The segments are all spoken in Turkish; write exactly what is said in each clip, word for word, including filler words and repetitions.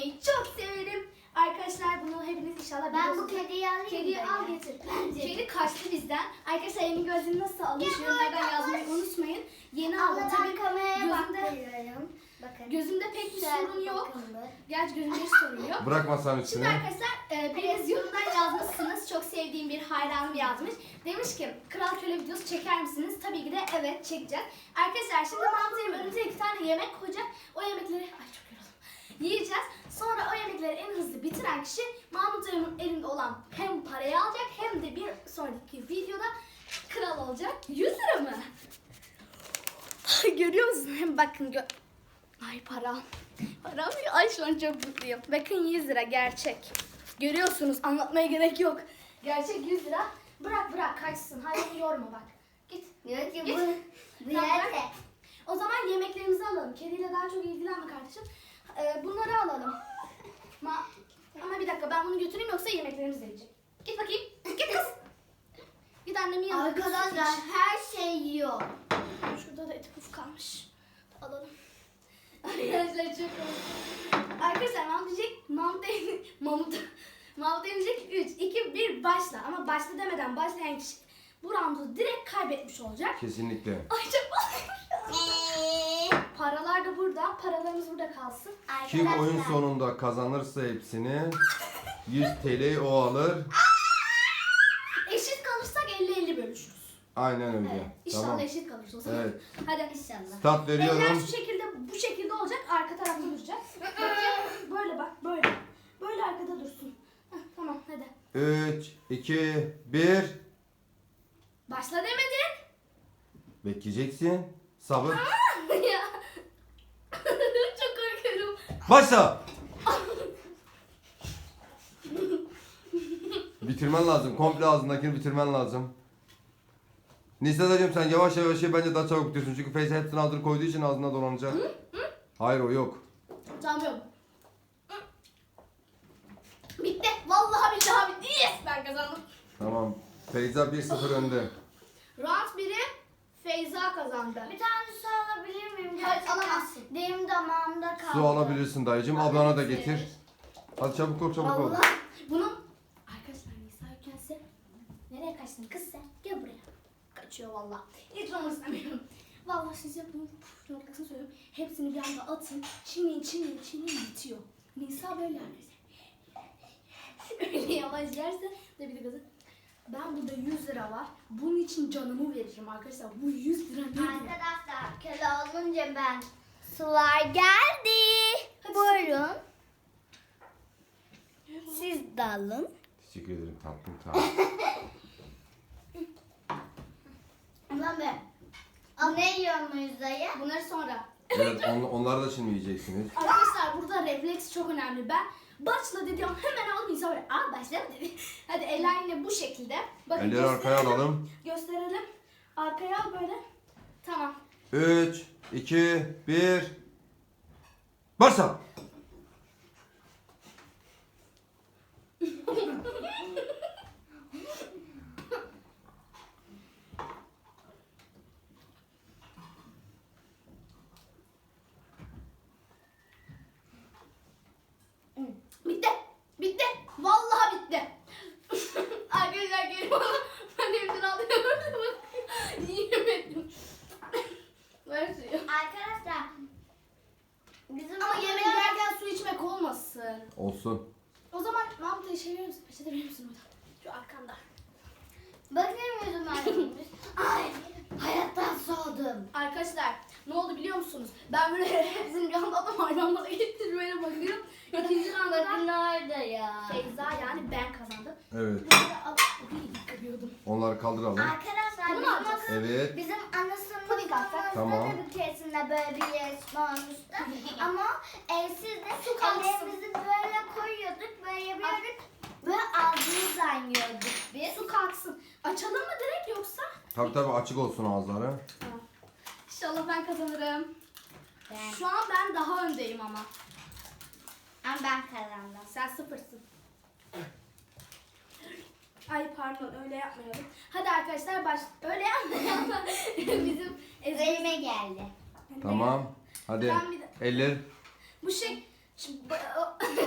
oynamayı çok severim. Arkadaşlar bunu hepiniz inşallah Ben biliyorsunuz. bu kediyi alayım. Kediyi mı al ya? getir. Bence. Kedi kaçtı bizden. Arkadaşlar yeni gözlüğünü nasıl almış? Yorumlardan yazmayı unutmayın. Yeni aldım. Abla Tabii ben kameraya gözümde, bakıyorum. Bakın. gözümde pek bir Güzel, sorun yok. bakın bu. Gerçi gözümde hiç sorun yok. Bırak masanın Şimdi üstüne. arkadaşlar e, biriniz yorumdan yazmışsınız. Çok sevdiğim bir hayranım yazmış. Demiş ki Kral Köle videosu çeker misiniz? Tabii ki de evet çekeceğiz. Arkadaşlar şimdi mantıyorum önümüze iki tane yemek koyacak. O yemekleri ay çok yoruldum. Yiyeceğiz. Sonra o yemekleri en hızlı bitiren kişi Mahmut Emin'in elinde olan hem parayı alacak hem de bir sonraki videoda kral olacak. yüz lira mı? Ay, görüyor musun? Hem bakın gö ay param. Param ay şu an çok mutluyum. Bakın yüz lira gerçek. Görüyorsunuz anlatmaya gerek yok. Gerçek yüz lira. Bırak bırak kaçsın. Hayır yorma bak. Git. Diyor ki Git. bu. Bu Bırak, yerde. bırak. O zaman yemeklerimizi alalım. Kediyle daha çok ilgilenme kardeşim. Ee, bunları alalım. Ma Ama bir dakika ben bunu götüreyim yoksa yemeklerimiz de yiyecek. Git bakayım. Git kız. Git annemin yanına. Arkadaşlar her şey yiyor. Şurada da eti puf kalmış. Alalım. Arkadaşlar çok komik. Arkadaşlar Mahmut diyecek, Mahmut diyecek, Mahmut, Mahmut diyecek üç, iki, bir başla. Ama başla demeden başlayan kişi bu roundu direkt kaybetmiş olacak. Kesinlikle. Ay çok Paralar da burada. Paralarımız burada kalsın. Kim oyun Arkadaşlar. sonunda kazanırsa hepsini yüz T L o alır. Eşit kalırsak elli elli bölüşürüz. Aynen öyle. İnşallah Tamam. eşit kalırız o zaman. Evet. Hadi. İnşallah. Start Eller veriyorum. şu şekilde, bu şekilde olacak. Arka tarafta duracak. Bakayım. Böyle bak, böyle. Böyle arkada dursun. Heh, tamam, hadi. üç, iki, bir. Başla demedin. Bekleyeceksin. Sabır. Ya. Çok korkuyorum. Başla. Bitirmen lazım. Komple ağzındakini bitirmen lazım. Nisa'cığım sen yavaş yavaş ye, bence daha çabuk bitirsin. Çünkü Feyza hepsini hazır koyduğu için ağzına dolanacak. Hayır o yok. Tamam. Bitti. Vallahi billahi bitti. Yes, ben kazandım. Tamam. Feyza bir sıfır önde. Round biri Feyza kazandı. Bir tane su alabilir miyim? Hayır, Gerçekten alamazsın. Benim damağımda kaldı. Su alabilirsin dayıcım. Ablana da getir. Hadi çabuk ol çabuk ol. Allah. Bunun arkadaşlar Nisa ülkense nereye kaçtın kız sen? Gel buraya. Kaçıyor vallahi. Hiç olmak istemiyorum. Vallahi size bunun puf noktasını söylüyorum. Hepsini bir anda atın. Çiğneyin çiğneyin çiğneyin bitiyor. Nisa böyle arkadaşlar. Öyle yavaş yerse de bir de gazı. Ben burada yüz lira var. Bunun için canımı veririm arkadaşlar. Bu yüz lira nedir? Arkadaşlar köle olunca ben sular geldi. Hadi Buyurun. Siz de alın. Teşekkür ederim tatlım tamam. Ulan be. Al ne yiyorsun Muyuz dayı? Bunları sonra. Evet on, onları da şimdi yiyeceksiniz. Arkadaşlar burada refleks çok önemli. Ben başla dediğim hemen al Nisa böyle. Aa başla mı dedi. Hadi eller yine bu şekilde. Bakın Elleri arkaya gösterelim. alalım. Gösterelim. Arkaya al böyle. Tamam. üç, iki, bir. Başla. Bitti. Bitti. Vallahi bitti. Arkadaşlar gelin bana. Ben hepsini alıyorum. Yiyemedim. Ver suyu. Arkadaşlar bizim Ama yemek yerken su içmek olmasın. Olsun. O zaman Mahmut'a işe verir misin? Peçete verir misin orada? Şu arkanda. bakın yüzüm annemiz. Ay hayattan soğudum. Arkadaşlar ne oldu biliyor musunuz? Ben böyle hepsini bir anda adam aynen bana getir böyle bakıyorum. İkinci Bakın roundda orada ya. Feyza yani ben kazandım. Evet. Böyle alıp bir yıkıyordum. Onları kaldıralım. Arkadaşlar Bunu mu bizim, alacağız? okul, Evet. bizim ana Puding alsak. Tamam. sınıfımızda da bir keresinde böyle bir yarışma olmuştu. Ama e, siz de Su kalsın. ellerimizi böyle koyuyorduk, böyle yapıyorduk. Böyle ağzımızdan yiyorduk biz. Su kalksın. Açalım mı direkt yoksa? Tabii tabii açık olsun ağızları. Tamam. İnşallah ben kazanırım. Ben, Şu an ben daha öndeyim ama. ama ben kazandım. Sen sıfırsın. Ay pardon öyle yapmayalım. Hadi arkadaşlar baş... Öyle yapmayalım. Bizim Üzerime geldi. Tamam. Hadi. Ben bir de- Eller. Bu şey... Şu-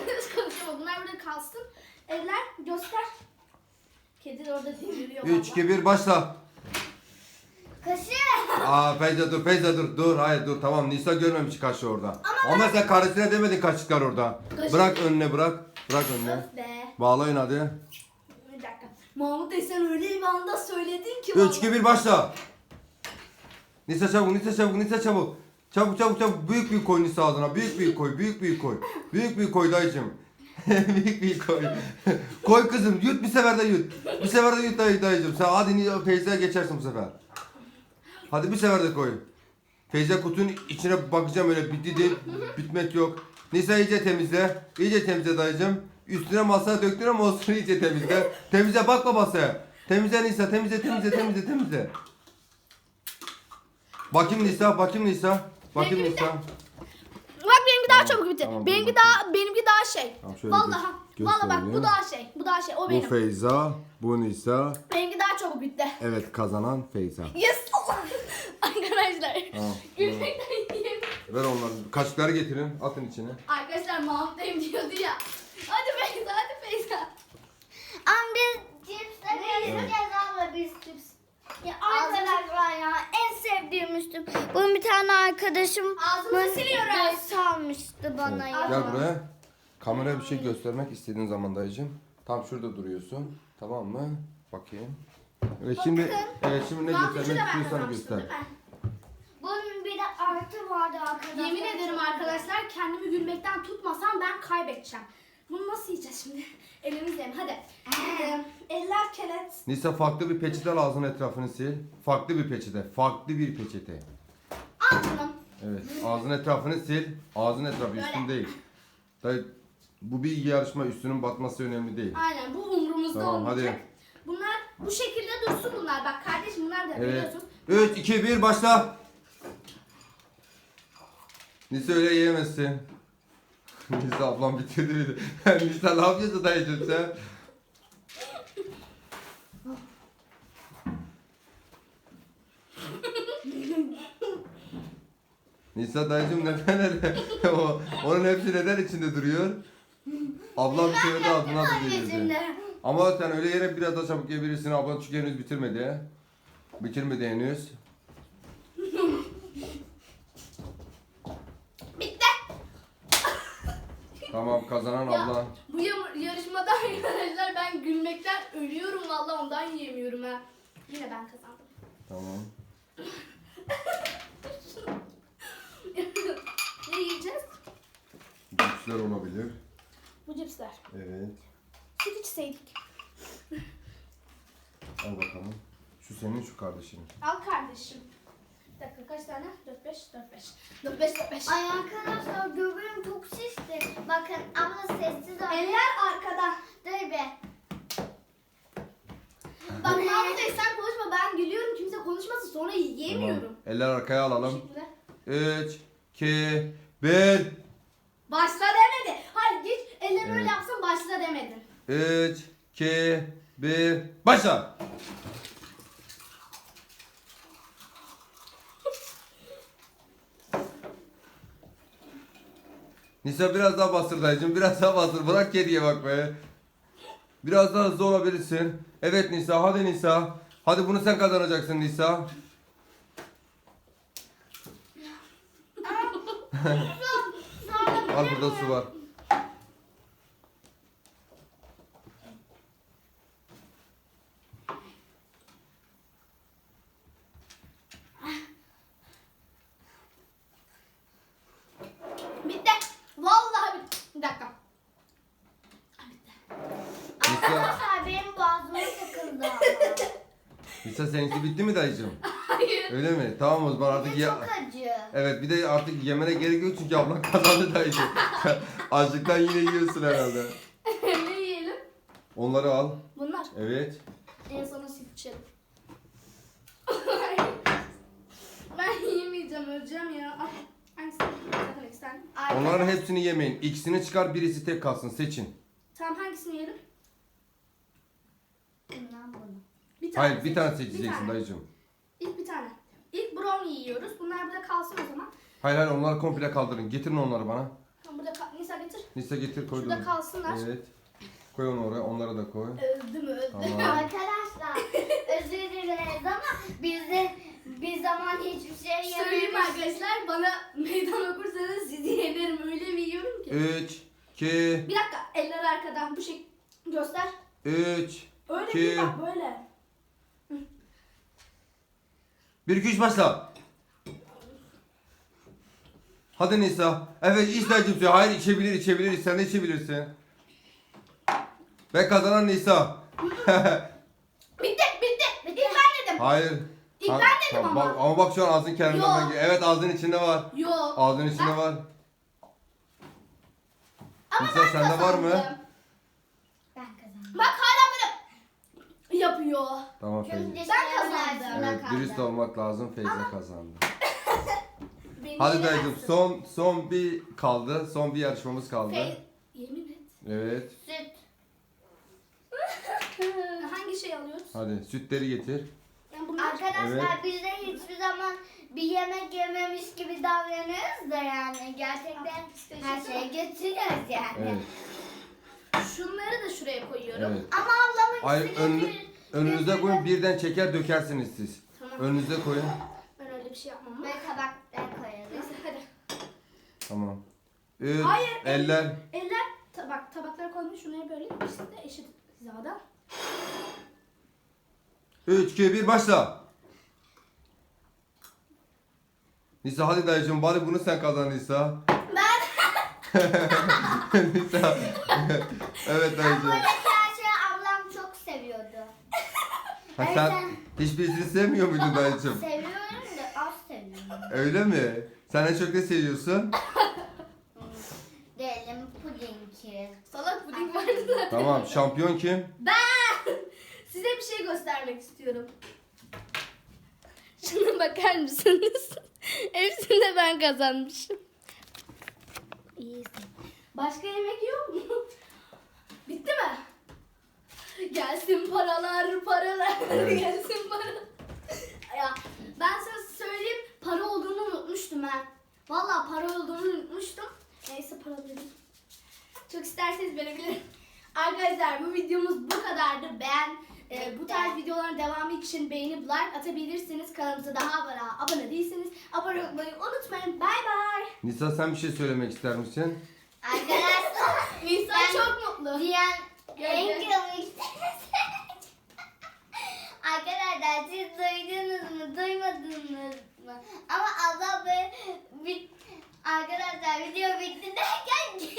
kalsın. Eller göster. Kedi de orada deliriyor. üç, iki, bir başla. Kaşık. Aa Feyza dur, Feyza dur, dur, hayır dur, tamam Nisa görmemiş kaşığı orada. Ama, sen karısına demedin kaşıklar orada. Kaşık. Bırak önüne bırak, bırak önüne. Öf be. Bağlayın hadi. Bir dakika. Mahmut Bey sen öyle bir anda söyledin ki. üç, iki, bir başla. Nisa çabuk, Nisa çabuk, Nisa çabuk. Çabuk çabuk çabuk, büyük büyük koy Nisa ağzına, büyük büyük koy, büyük büyük koy. Büyük büyük koy dayıcım. büyük büyük koy. Koy kızım, yut bir sefer de yut. Bir sefer de yut dayı, dayıcım. Sen hadi Ni- Feyza'ya geçersin bu sefer. Hadi bir sefer de koy. Feyza kutunun içine bakacağım öyle bitti değil, bitmek yok. Nisa iyice temizle, iyice temizle dayıcım. Üstüne masaya döktün ama olsun iyice temizle. Temizle bakma masaya. Temizle Nisa, temizle, temizle, temizle, temizle. Bakayım Nisa, bakayım Nisa. Bakayım Benimki Nisa. Bak benimki daha Tamam, çabuk bitti. tamam, benimki dur daha benimki daha şey. Tamam, şöyle Vallahi gö- vallahi bak gösterelim. bu daha şey. Bu daha şey. O Bu benim. Feyza, bu Nisa. Benimki daha çabuk bitti. Evet, kazanan Feyza. Yes. Arkadaşlar. Tamam. Gülmekten yiyeyim. Ver onları. Kaşıkları getirin, atın içine. Arkadaşlar Mahmut Bey'im diyordu ya. Hadi Feyza, hadi Feyza. Ama biz cipsle gezeceğiz abla biz cips. Ya arkadaşlar ya en sevdiğim üstüm. Bunun bir tane arkadaşım Ağzımızı siliyoruz. salmıştı bana ya. Gel buraya. Kameraya bir şey göstermek istediğin zaman dayıcım. Tam şurada duruyorsun. Tamam mı? Bakayım. Evet şimdi, evet şimdi ne Mahmut'u da göstermek ben istiyorsan kazanmıştım göster. değil mi? Bunun bir de artı vardı arkadaşlar. Yemin ederim arkadaşlar kendimi gülmekten tutmasam ben kaybedeceğim. Bunu nasıl yiyeceğiz şimdi? Elimizle mi? Hadi. Ee, eller kelet. Nisa farklı bir peçete al ağzının etrafını sil. Farklı bir peçete. Farklı bir peçete. Al canım. Evet. Ağzının etrafını sil. Ağzının etrafı Böyle. üstün değil. Dayı, bu bir yarışma, üstünün batması önemli değil. Aynen bu umurumuzda Tamam, olmayacak. hadi. Bunlar bu şekilde dursun bunlar. Bak kardeşim bunlar da Evet. biliyorsun. üç, iki, bir başla. Nisa öyle yiyemezsin. Nisa ablam bitirdi beni. Nisa ne yapıyorsun dayıcım sen? Nisa dayıcım neden öyle? o, onun hepsi neden içinde duruyor? Ablam bir söyledi ağzına da gelirdi. Şimdi. Ama sen öyle yere biraz daha çabuk yiyebilirsin. Ablan çünkü henüz bitirmedi. Bitirmedi henüz. Bitti. Tamam kazanan Ya, abla. bu yam- yarışmada arkadaşlar ben gülmekten ölüyorum vallahi ondan yiyemiyorum ha. Yine ben kazandım. Tamam. Ne yiyeceğiz? Cipsler olabilir. Bu cipsler. Evet. Süt içseydik. Al bakalım. Şu senin, şu kardeşinin. Al kardeşim. Bir dakika kaç tane? dört beş dört beş. dört beş dört beş. Ay arkadaşlar göbeğim çok şişti. Bakın abla sessiz ol. Eller arkada. Dur be. Bak Mahmut Bey sen konuşma ben gülüyorum kimse konuşmasın sonra yiyemiyorum. Tamam. Eller arkaya alalım. Teşekkürler. üç, iki, bir. Başla demedi. Hayır geç ellerini öyle Evet. yapsın başla demedin. üç, iki, bir. Başla. Nisa biraz daha bastır dayıcım. Biraz daha bastır. Bırak kediye bak be. Biraz daha hızlı olabilirsin. Evet Nisa. Hadi Nisa. Hadi bunu sen kazanacaksın Nisa. Al burada su var. Bitti. Vallahi bitti. Bir dakika. Nisa, Arkadaşlar benim boğazıma takıldı ama. Nisa seninki bitti mi dayıcım? Hayır. Öyle mi? Tamam o zaman artık Ve ya... çok acı. Evet bir de artık yemene gerek yok çünkü ablan kazandı dayıcım. Açlıktan yine yiyorsun herhalde. Ne yiyelim? Onları al. Bunlar. Evet. En sona süt içelim. Ben yiyemeyeceğim öleceğim ya. Ah, hangisi? Zaten iki tane. Onların hepsini yemeyin. İkisini çıkar birisi tek kalsın seçin. Tamam hangisini yiyelim? Bundan bunu. Bir tane Hayır bir seç. tane Bir seçeceksin tane. dayıcım. İlk bir tane. İlk brownie yiyoruz. Bunlar burada kalsın o zaman. Hayır hayır onları komple kaldırın. Getirin onları bana. Tamam burada kal- Nisa getir. Nisa getir koy. Şurada dur. kalsınlar. Evet. Koy onu oraya, onları da koy. Öldü mü öldü. Tamam. Arkadaşlar özür dileriz ama biz de bir zaman hiçbir şey Söyleyeyim yememiş. arkadaşlar, bana meydan okursanız sizi yenerim, öyle bir yiyorum ki. üç, iki, Bir dakika, eller arkadan bu şey göster. üç, Öyle İki. değil bak, böyle. bir, iki, üç başla. Hadi Nisa. Evet iç dayıcım suyu. Hayır içebilir içebilir. Sen de içebilirsin. Ve kazanan Nisa. Bitti bitti. İlk ben dedim. Hayır. İlk Ha- ben dedim tamam, ama. Bak, ama bak şu an ağzın kenarından Yok. ben geliyor. Evet ağzın içinde var. Yok. Ağzın içinde Ben- var. Ama Nisa ben sende var mı? kazandım. Ben kazandım. Bak hala böyle yapıyor. Tamam Feyza. Şimdi Ben kazandım. arasında Evet kaldı. dürüst olmak lazım. Feyza kazandı. Beni Hadi yenemezsin. dayıcım son son bir kaldı. Son bir yarışmamız kaldı. Fe- Yemin et. Evet. Süt. Hangi şey alıyoruz? Hadi sütleri getir. Yani bunlar... Arkadaşlar Evet. biz de hiçbir zaman bir yemek yememiş gibi davranıyoruz da yani gerçekten her şeyi getiriyoruz yani. Evet. Şunları da şuraya koyuyorum. Evet. Ama ablamın Hayır ikisi önünü, getir- önünüze getirdi. koyun birden çeker dökersiniz siz. Tamam. Önünüze koyun. Ben öyle bir şey yapmam ama. Ve tabakta koyalım. Neyse hadi. Tamam. Üç, Hayır, eller. Eller tabak tabaklara koymuş, şuraya böyle ikisi de eşit hizada. Üç, iki, bir başla. Nisa hadi dayıcım bari bunu sen kazan Nisa. Ben Nisa. Evet Ama dayıcım. buradaki her şeyi ablam çok seviyordu. Ha, Evet, sen sen- hiçbirisini sevmiyor muydun dayıcım? Seviyorum da az seviyorum. Öyle mi? Sen en çok ne seviyorsun? Diyelim pudingi. salak puding vardı zaten. Tamam şampiyon kim? Ben size bir şey göstermek istiyorum. Şuna bakar mısınız? Hepsini de ben kazanmışım. İyisin. Başka yemek yok mu? Bitti mi? Gelsin paralar, paralar, Evet. gelsin paralar. Ya ben size söyleyeyim, para olduğunu unutmuştum ben. Vallahi para olduğunu unutmuştum. Neyse para dedim. Çok isterseniz verebilirim. Arkadaşlar bu videomuz bu kadardı. Ben e, bu tarz videoların devamı için beğenip like atabilirsiniz. Kanalımıza daha hala abone değilseniz abone olmayı unutmayın. Bay bay. Nisa sen bir şey söylemek ister misin? Arkadaşlar Nisa Ben- çok mutlu. diyen en Gördüm. komik. Arkadaşlar siz duydunuz mu duymadınız mı? Ama abla böyle bir... Arkadaşlar video bitti derken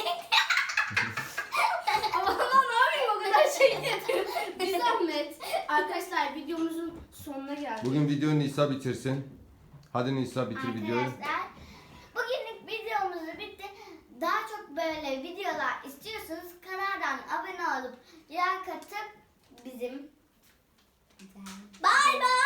Ama ne yapayım, o kadar şey getir. Bir zahmet. Arkadaşlar videomuzun sonuna geldik. Bugün videoyu Nisa bitirsin. Hadi Nisa bitir videoyu. Arkadaşlar bugünlük videomuz bitti. Daha çok böyle videolar istiyorsanız kanaldan abone olup like atıp bizim Bay bay.